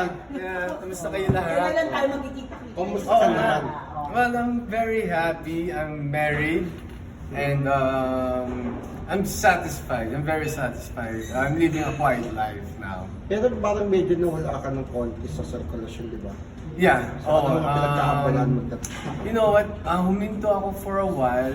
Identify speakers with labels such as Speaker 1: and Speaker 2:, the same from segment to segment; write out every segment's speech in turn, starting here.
Speaker 1: Yeah, kamusta kayo lahat?
Speaker 2: Kailan lang tayo magkikita?
Speaker 3: Kumusta ka naman?
Speaker 1: Well, I'm very happy. I'm married. And I'm satisfied. I'm very satisfied. I'm living a quiet life now.
Speaker 3: Pero parang medyo nawala ka ng konti sa circulation, di ba?
Speaker 1: Yeah.
Speaker 3: So, ano mga pinagkakabalan mo?
Speaker 1: You know what? Huminto ako for a while.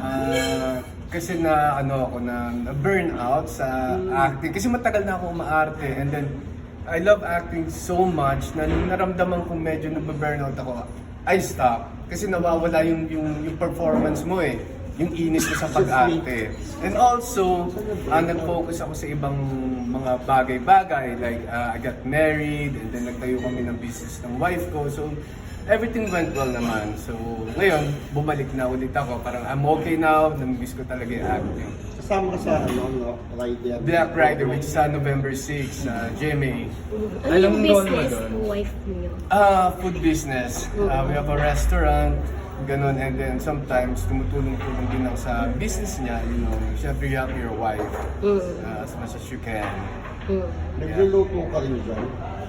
Speaker 1: Kasi na burn out sa acting. Kasi matagal na ako umaarte. And then, I love acting so much na nung naramdaman kong medyo nababurnout ako, I stop. Kasi nawawala yung performance mo eh. Yung inis ko sa pag-arte. And also, nag-focus ako sa ibang mga bagay-bagay. Like, I got married, and then nagtayo kami ng business ng wife ko. So, everything went well naman. So, ngayon, bumalik na ulit ako. Parang, I'm okay now. Namiss ko talaga yung acting.
Speaker 3: Kasama ka sa Rider?
Speaker 1: Black Rider, which is November 6, GMA.
Speaker 4: Ano yung business ng wife niyo?
Speaker 1: Food business. We have a restaurant. Ganon, and then sometimes tumutulong-tulong din ako sa business niya, you know, syempre you have your wife as much as you can.
Speaker 3: Nagluluto ka rin dyan?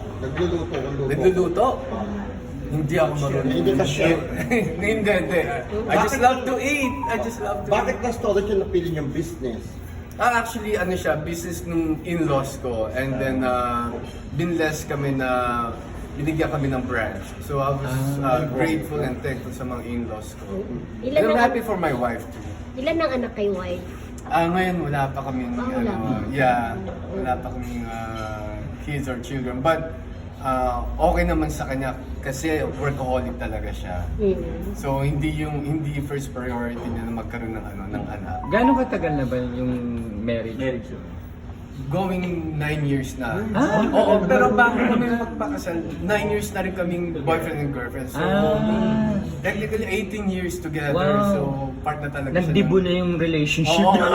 Speaker 1: Nagluluto? Hindi ako marunong.
Speaker 3: Hindi ka chef?
Speaker 1: Hindi. I just love to eat.
Speaker 3: Bakit na storage yung napili niyang business?
Speaker 1: Actually, business ng in-laws ko, and then binless kami na binigyan kami ng branch. So I was grateful and thankful sa mga in-laws ko. And I'm happy for my wife too.
Speaker 4: Ilan ang anak kay wife?
Speaker 1: Ngayon wala pa kaming
Speaker 4: wala pa.
Speaker 1: wala pa kaming kids or children, but okay naman sa kanya kasi workaholic talaga siya. So hindi first priority niya na magkaroon ng anak.
Speaker 5: Gaano katagal na ba yung marriage?
Speaker 1: Going 9 years na. Oo, pero bago kami magpakasal, 9 years na rin kaming boyfriend and girlfriend. So, technically 18 years together.
Speaker 5: Wow.
Speaker 1: So, part na talaga
Speaker 5: Nagdibo na yung relationship.
Speaker 1: Oo,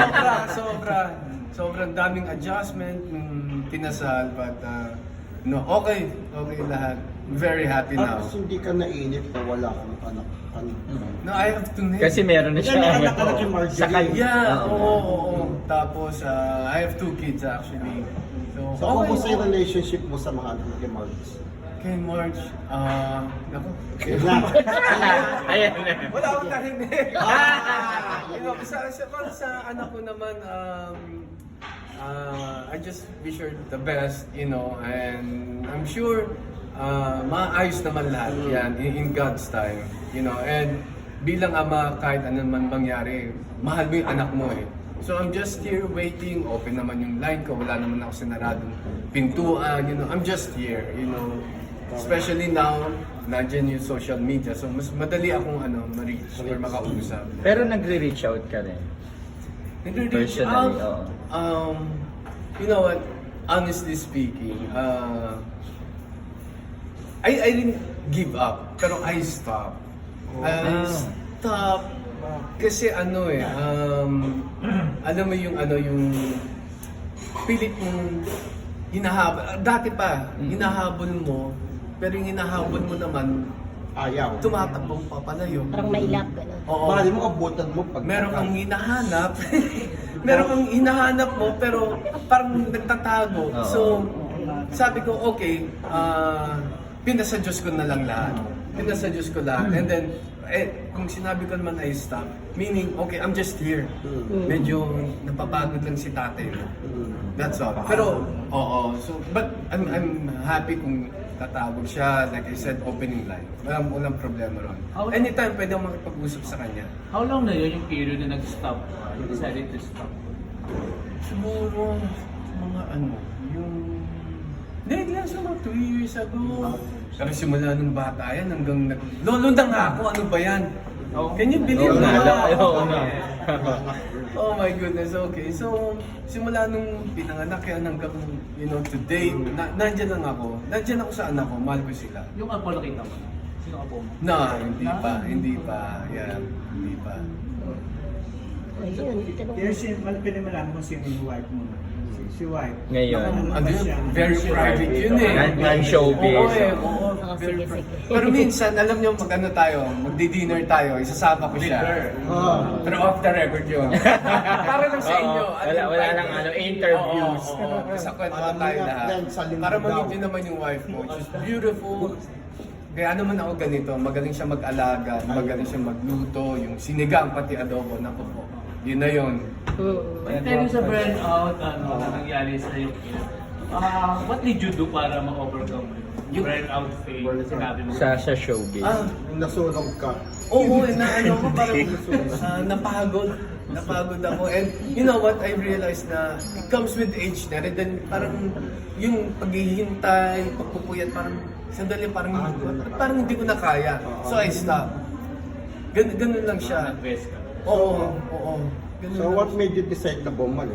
Speaker 1: sobrang daming adjustment nung pinasal, but okay lahat. Very happy now.
Speaker 3: At hindi ka nainip na wala kang anak.
Speaker 1: No, I have to name.
Speaker 5: Kasi meron na siya.
Speaker 3: May anak ka na kay Marjorie.
Speaker 5: Sa kanya.
Speaker 1: Yeah, oo. Tapos, I have 2 kids actually.
Speaker 3: So, kumusta yung relationship mo sa mga anak kay Marjorie?
Speaker 1: Kay Marge, naku.
Speaker 5: Ayan.
Speaker 1: Wala akong narinig. Sa anak ko naman, I just wish her the best, you know, and I'm sure maayos naman lahat yan in God's time, you know, and bilang ama, kahit ano man mangyari, mahal mo yung anak mo eh. So I'm just here waiting, open naman yung line ko, wala naman ako sinaradong pintuan, you know, I'm just here, you know. Especially now, nandiyan yung social media, so mas madali akong ma-reach or makausap.
Speaker 5: Pero nagre-reach out ka rin.
Speaker 1: Nagre-reach
Speaker 5: Personally,
Speaker 1: out, you know what, honestly speaking, I didn't give up, pero I stopped. Stop kasi alam mo yung pilit mong hinahabol. Dati pa, hinahabol mo, pero yung hinahabol mo naman,
Speaker 3: Ayaw.
Speaker 1: tumatakbong papalayo.
Speaker 4: Parang mailap, gano'n.
Speaker 1: Oo.
Speaker 3: Mahal mo abutan mo pag
Speaker 1: Meron kang hinahanap, meron kang hinahanap mo, pero parang nagtatago. So, sabi ko, okay, pinasa Diyos ko na lang lahat. Pinasa Diyos ko lahat. And then, kung sinabi ko naman I stop, meaning, okay, I'm just here. Medyo napapagod lang si tatay. That's all. Pero, oo. So, but I'm happy kung tatawag siya. Like I said, opening line. Walang problema ron. Anytime, pwede akong makipag-usap sa kanya.
Speaker 6: How long na yun yung period na nag-stop? You decided to stop?
Speaker 1: Siguro, mga hindi lang sa mga 2 years ago. Pero simula nung bata yan hanggang lolo na nga ako, ano ba yan? Can you believe that? Oh my goodness, okay. So, simula nung pinanganak yan hanggang, you know, today, nandyan lang ako. Nandyan ako sa anak ko, mahal ko sila.
Speaker 6: Yung apo nakita mo na? Sino apo mo?
Speaker 1: Hindi pa. Yeah, hindi pa.
Speaker 4: Ayun,
Speaker 7: Pero pinamalaman mo sino yung wife mo. Si wife.
Speaker 5: Ngayon.
Speaker 1: Very private yun eh.
Speaker 5: Non-showbiz.
Speaker 1: Oo. very
Speaker 4: sige, sige.
Speaker 1: Pero minsan, alam niyo, mag-ano tayo, magdi-dinner tayo, isasama ko siya. Pero off the record yun. Para lang sa inyo.
Speaker 5: Wala lang interviews.
Speaker 1: Oo. Sa kwentuhan tayo lahat.
Speaker 3: Sa linggo
Speaker 1: Para
Speaker 3: daw.
Speaker 1: mag-meet niyo naman yung wife mo. She's beautiful. Kaya naman ako ganito, magaling siya mag-alaga, magaling siya magluto, yung sinigang pati adobo, naku po. Yun na yun.
Speaker 6: Pero sa burnout, na nangyari sa iyo, what did you do para ma-overcome yung burnout phase? Sinabi mo.
Speaker 5: Sa showbiz.
Speaker 3: Yung nasunog ka.
Speaker 1: Oo, na ano ko parang napagod ako. And you know what, I realized na it comes with age na rin. Then parang yung paghihintay, pagpupuyat, parang sandali, parang hindi ko na kaya. So I stopped. Ganun lang siya.
Speaker 6: Nag-rest ka.
Speaker 1: Oo. Ganun
Speaker 3: So
Speaker 1: lang.
Speaker 3: what made you decide na bumalik?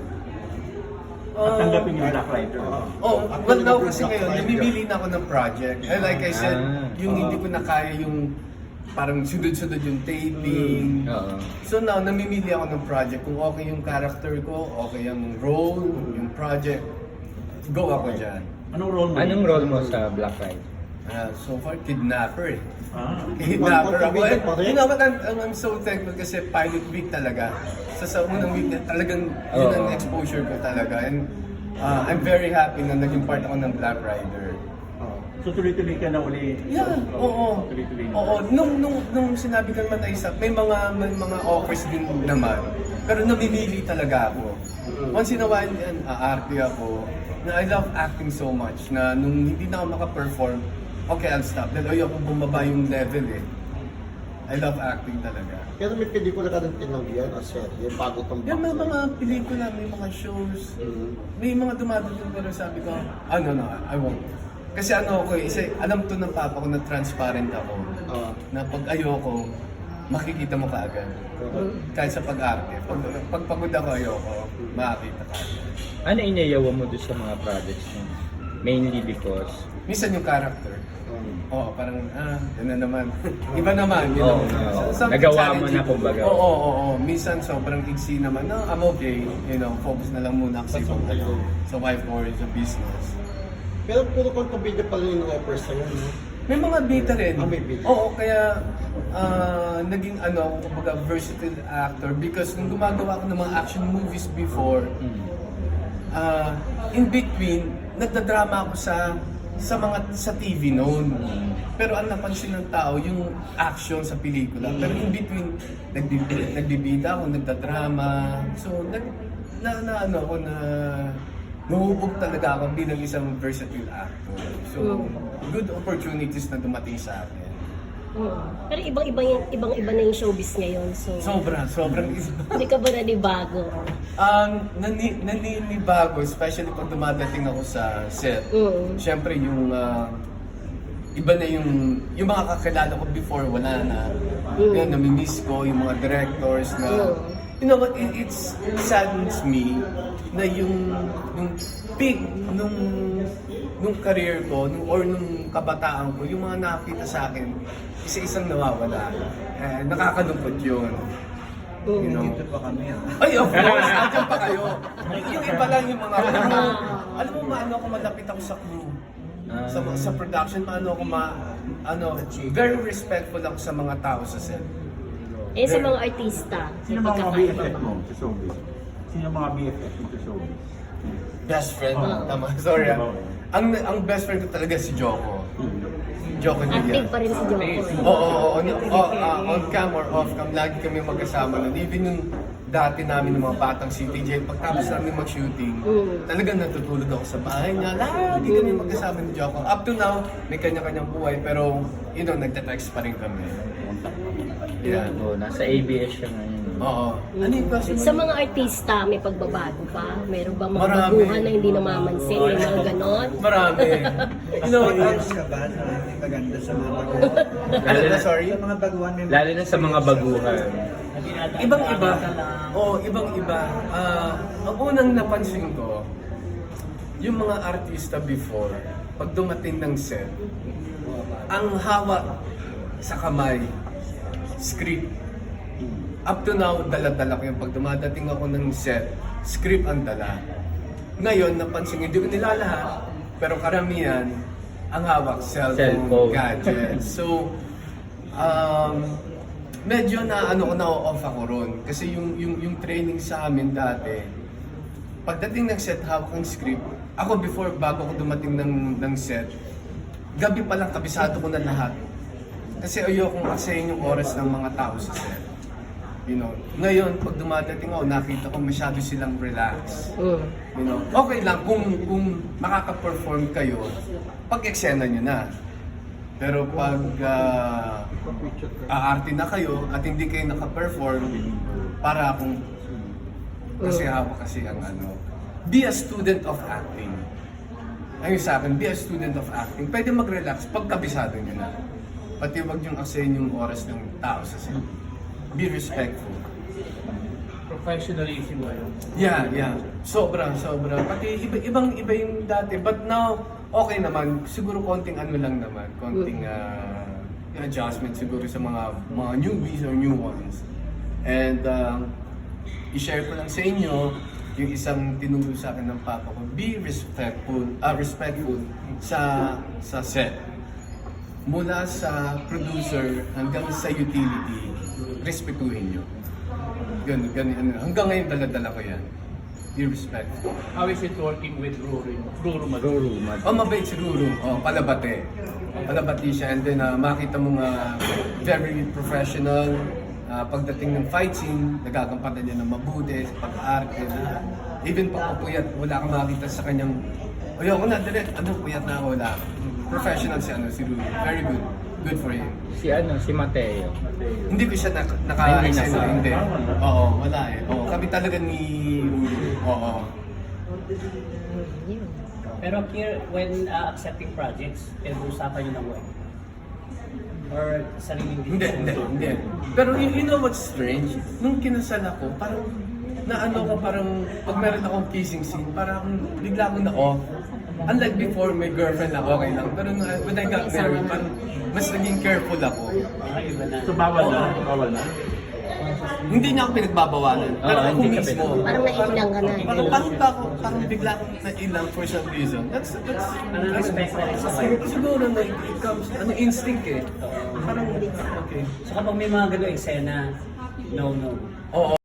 Speaker 7: Tanggapin yung Black Rider.
Speaker 1: Oh, well now kasi ngayon, namimili na ako ng project. And like I said, yung hindi ko na kaya yung parang sunod-sunod yung taping.
Speaker 5: Oo.
Speaker 1: So now, namimili ako ng project. Kung okay yung character ko, okay yung role, yung project, go ako dyan.
Speaker 7: Anong role mo?
Speaker 5: Anong role mo sa Black Rider?
Speaker 1: So far, kidnapper eh.
Speaker 7: Ah.
Speaker 1: Kidnapper ako.
Speaker 3: Pag-ibigan pa rin?
Speaker 1: You know what, I'm so thankful kasi pilot week talaga. Sa unang week, talagang yun ang exposure ko talaga. And I'm very happy na naging part ako ng Black Rider.
Speaker 7: So tuloy-tuloy ka na uli.
Speaker 1: Yeah, oo.
Speaker 7: Tuloy-tuloy na.
Speaker 1: Oo, nung sinabi ka naman na isa, may mga offers din naman. Pero namimili talaga ako. Once in a while, aarte ako. Na I love acting so much na nung hindi na ako makaperform, okay, I'll stop. Dahil ayoko bumaba yung level eh. I love acting talaga.
Speaker 3: Pero may pelikula ka rin tinanggihan o serye bago itong
Speaker 1: Yung mga pelikula, may mga shows, may mga dumadating pero sabi ko, no, I won't. Kasi ano ako alam to ng papa ko na transparent ako. Na pag ayoko, makikita mo kaagad. Kahit sa pag-arte. Pag pagod ako ayoko, makikita kaagad.
Speaker 5: Ano iniyawa mo doon sa mga projects mo? Mainly because...
Speaker 1: Minsan yung character. Oo, parang, yun na naman. Iba naman, you know. Something
Speaker 5: Nagawa mo na
Speaker 1: challenging.
Speaker 5: kumbaga.
Speaker 1: Oo. Minsan sobrang iksi naman. No, I'm okay. You know, focus na lang muna kasi sa wife or sa business.
Speaker 3: Pero puro kontrabida pala yung offer sa'yo, no?
Speaker 1: May mga bida rin.
Speaker 3: May bida.
Speaker 1: Oo, kaya naging kumbaga versatile actor because nung gumagawa ko ng mga action movies before, in between, nagdadrama ako sa TV noon. Pero ang napansin ng tao, yung action sa pelikula. Pero in between, nagbibida ako, nagdadrama. So, nahuhubog talaga ako bilang isang versatile actor. So, good opportunities na dumating sa akin.
Speaker 4: Pero ibang-iba na yung showbiz ngayon. So,
Speaker 1: Sobrang
Speaker 4: hindi ka ba nanibago?
Speaker 1: naninibago, especially pag dumadating ako sa set. Siyempre yung iba na yung mga kakilala ko before, wala na. Yan, namimiss ko yung mga directors na you know what, it saddens me na yung peak nung career ko, nung kabataan ko, yung mga nakakita sa akin, isa-isang nawawala. Nakakalungkot yun. You know?
Speaker 7: Dito pa kami.
Speaker 1: Ay, of course, andyan pa kayo. Yung iba lang yung mga crew. Alam mo, maano ako malapit ako sa crew. Sa production, maano ako very respectful ako sa mga tao sa set.
Speaker 4: Sa mga artista,
Speaker 7: Sino
Speaker 4: may
Speaker 7: mga
Speaker 4: pagkakaiba
Speaker 7: BFF
Speaker 4: ba?
Speaker 7: mo sa showbiz? Sino mga BFF mo sa showbiz?
Speaker 1: Best friend, tama. Sorry Ang best friend ko talaga si Joko. Joko
Speaker 4: Active
Speaker 1: Nidia.
Speaker 4: pa rin si Joko.
Speaker 1: On cam or off cam, lagi kami magkasama nun. Even yung dati namin ng mga batang CTJ, pagtapos namin mag-shooting, talagang natutulog ako sa bahay niya. Lagi kami magkasama ni Joko. Up to now, may kanya-kanyang buhay, pero nagte-text pa rin kami. Yeah.
Speaker 5: Nasa ABS siya ngayon.
Speaker 1: Oo. Ano yung question mo?
Speaker 4: Sa mga artista, may pagbabago pa? Meron ba mga
Speaker 1: Marami.
Speaker 4: baguhan na hindi namamansin? May mga ganon?
Speaker 1: Marami. You know,
Speaker 7: Ayos ka ba na may maganda sa mga baguhan?
Speaker 1: sorry?
Speaker 7: Sa mga baguhan may
Speaker 5: Lalo na sa mga baguhan.
Speaker 1: Ibang-iba. Oo, ibang-iba. Ang unang napansin ko, yung mga artista before, pag dumating ng set, ang hawak sa kamay, script. Up to now, dala-dala ko yung pag dumadating ako ng set, script ang dala. Ngayon, napansin, hindi ko nila lahat, pero karamihan, ang hawak, cellphone,
Speaker 5: Cellphone.
Speaker 1: gadgets. So, medyo na-off ako ron. Kasi yung training sa amin dati, pagdating ng set, hawak ng script, ako bago ako dumating ng set, gabi pa lang kabisado ko na lahat. Kasi ayokong asayin yung oras ng mga tao sa set. You know, ngayon, pag dumadating ako, nakita ko masyado silang relax. You know, okay lang kung makaka-perform kayo, pag-eksena nyo na. Pero pag aarte na kayo at hindi kayo naka-perform, para akong kasi hawak kasi ang be a student of acting. Ayun sa akin, be a student of acting. Pwede mag-relax pag kabisado nyo na. Pati wag yung asayin yung oras ng tao sa set. Be respectful.
Speaker 6: Professionalism ba yun?
Speaker 1: Yeah. Sobra. Pati ibang-iba yung dati. But now, okay naman. Siguro konting lang naman. Konting adjustment siguro sa mga newbies or new ones. And i-share ko lang sa inyo yung isang tinuro sa akin ng papa ko. Be respectful sa set. Mula sa producer hanggang sa utility, respetuhin nyo. Ganun. Hanggang ngayon dala-dala ko yan. Be respectful.
Speaker 6: How is it working with Ruru Maduro?
Speaker 5: Ruru, Mad.
Speaker 1: Mabait si Ruru. Palabate. Palabati siya. And then makita mo nga very professional. Pagdating ng fight scene, nagagampanan niya ng mabuti, pag-arte na. Even pagpapuyat, wala kang makita sa kanyang, ayoko na, direct, puyat na ako, wala. Professional si Ruru. Very good. Good for him.
Speaker 5: Si Mateo.
Speaker 1: Hindi ko siya
Speaker 5: Hindi
Speaker 1: naka-extend.
Speaker 5: na.
Speaker 1: Hindi. Oo, wala eh. Oo, kami talaga ni Ruru. Oo.
Speaker 2: Pero here, when accepting projects, pinag-uusapan nyo ng work? Or sariling
Speaker 1: Hindi. Pero you know what's strange? Nung kinasal ako, parang parang pag meron akong kissing scene, parang bigla akong na-off. Unlike before, may girlfriend lang, okay lang. Pero when I got married, parang mas naging careful ako.
Speaker 2: Iba na.
Speaker 6: So bawal na?
Speaker 1: Hindi niya ako pinagbabawalan. Pero ako
Speaker 5: hindi ka
Speaker 1: mismo.
Speaker 4: Parang naiilang ka na.
Speaker 1: Parang bigla akong nailang for some reason. That's
Speaker 2: respect na rin sa wife.
Speaker 1: siguro na it comes, instinct eh. Parang, okay.
Speaker 2: So kapag may mga gano'ng eksena, no.
Speaker 1: Oo.